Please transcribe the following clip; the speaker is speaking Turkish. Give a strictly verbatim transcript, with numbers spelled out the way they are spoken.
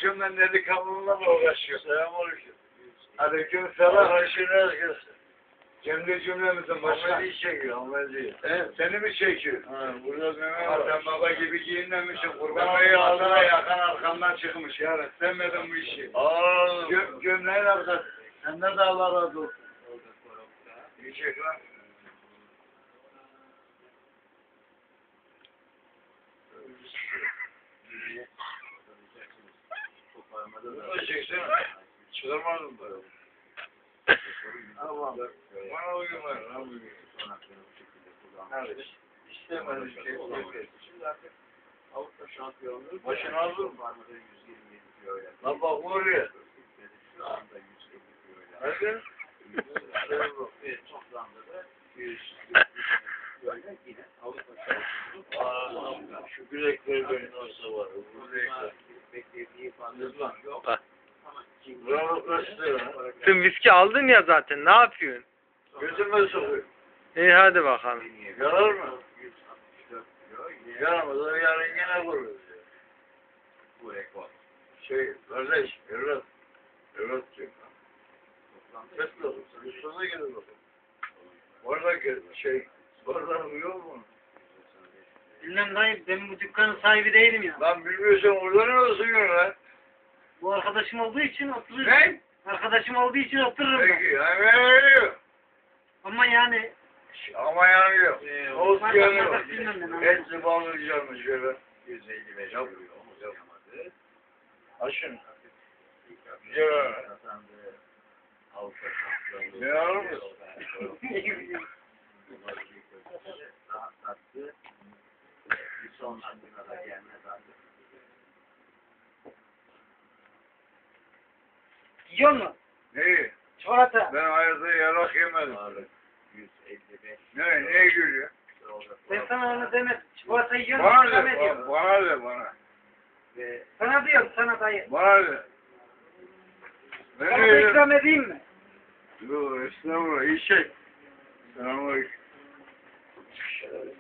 akşam ben delikanlımla mı uğraşıyorum? Selamünaleyküm. Aleyküm selam. Arkadaşın herkes. Cemre cümlemizin başına. Ahmet'i çekiyor, Ahmet'i. He, seni mi çekiyor? Ha, burada Mehmet Ha, var. sen baba gibi giyinmemişsin. Kurban ayı ağzına yakan arkamdan çıkmış. Yani sevmedim bu işi. Aa, Gö gömleğin arkası. Senden de Allah razı olsun. İyi çek lan. bunu da çeksene. Çıkarmadın böyle. Tamam. Bana uyum ver, ne uyum? Evet. İstemedim şey. Şimdi artık Avrupa şampiyonluğu. Başını aldın mı? Lan bak oraya. Hadi. Aa, şu bilekler benim olsa var. Bu bilekler. Bak. Bravo kaçtı. Sen viski aldın ya zaten. Ne yapıyorsun? Gözüme sokuyor. İyi hadi bakalım. Yarar mı? Yaramaz. O yarın yine vururuz. Şey, kardeş, evlat. Evlat diyor. Sesli olur. Üstüne gelir bakalım. Oradaki şey, oradan uyuyor mu? Bilmem dayı, ben bu dükkanın sahibi değilim ya. Lan bilmiyorsan orada ne olsun lan? Bu arkadaşım olduğu için otururum. Ne? Arkadaşım olduğu için otururum ben. Peki, hemen Ama yani ama yanıyor. Olsun Bardak yanıyor. bardak bilmem ben, anladım. Hepsi bağlayacağım şöyle. yüz elli beş yapıyor. Açın. Ya. Ne alır mısın? yiyor mu? Neyi? Çikolata. Ben hayatta yarak yemedim. Ne? Neye gülüyor? Ben sana onu demedim. Çikolata yiyor mu? Bana İkram de, ediyorum. bana, bana de bana. Sana diyorum, sana dayı. Bana de. Sana Ben da de ikram edeyim mi? Yok, estağfurullah, iyi şey. Selamünaleyküm.